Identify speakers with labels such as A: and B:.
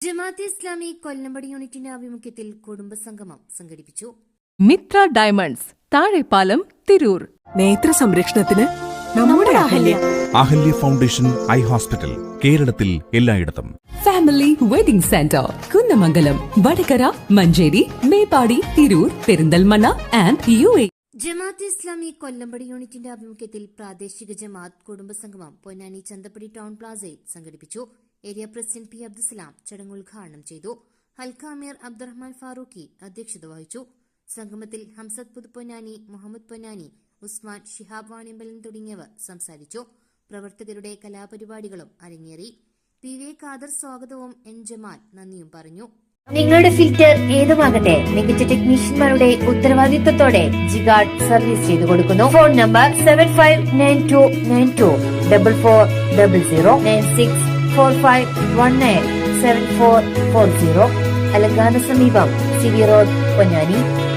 A: ജമാഅത്തെ ഇസ്ലാമി കൊല്ലമ്പടി യൂണിറ്റിന്റെ ആഭിമുഖ്യത്തിൽ കുടുംബസംഗമം സംഘടിപ്പിച്ചു.
B: മിത്ര ഡയമണ്ട്സ്, താഴെപ്പാലം, തിരൂർ.
C: നേത്ര സംരക്ഷണത്തിന് നമ്മുടെ
D: അഹല്യ ഫൗണ്ടേഷൻ ഐ ഹോസ്പിറ്റൽ, കേരളത്തിൽ എല്ലായിടത്തും.
C: Family wedding centre, Kunnamangalam, Vadakara, Manjeri, Meppadi, Tirur, Perinthalmanna and UAE.
A: Jamaate Islami Kollampadi യൂണിറ്റിന്റെ ആഭിമുഖ്യത്തിൽ പ്രാദേശിക ജമാഅത്ത് കുടുംബസംഗമം പൊന്നാനി ചന്തപ്പടി ടൗൺ പ്ലാസയിൽ സംഘടിപ്പിച്ചു. Area president P. അബ്ദുസലാം ചടങ്ങ് ഉദ്ഘാടനം ചെയ്തു. ഹൽക്ക അമീർ അബ്ദുറഹ്മാൻ ഫാറൂഖി അധ്യക്ഷത വഹിച്ചു. സംഗമത്തിൽ ഹംസത്ത് പുതുപ്പൊന്നാനി, മുഹമ്മദ് പൊന്നാനി, ഉസ്മാൻ, ഷിഹാബ് വാണിയമ്പലൻ തുടങ്ങിയവർ സംസാരിച്ചു. പ്രവർത്തകരുടെ കലാപരിപാടികളും അരങ്ങേറി. PV ഖാദർ സ്വാഗതവും N. ജമാൽ നന്ദിയും പറഞ്ഞു. നിങ്ങളുടെ ഫിൽറ്റർ ഏതുമാകട്ടെ, മികച്ച ടെക്നീഷ്യന്മാരുടെ ഉത്തരവാദിത്വത്തോടെ ജിഗാർഡ് സർവീസ് ചെയ്തു കൊടുക്കുന്നു. Phone number 759294009645197440. അലങ്കാന സമീപം CV റോഡ്, പൊന്നാനി.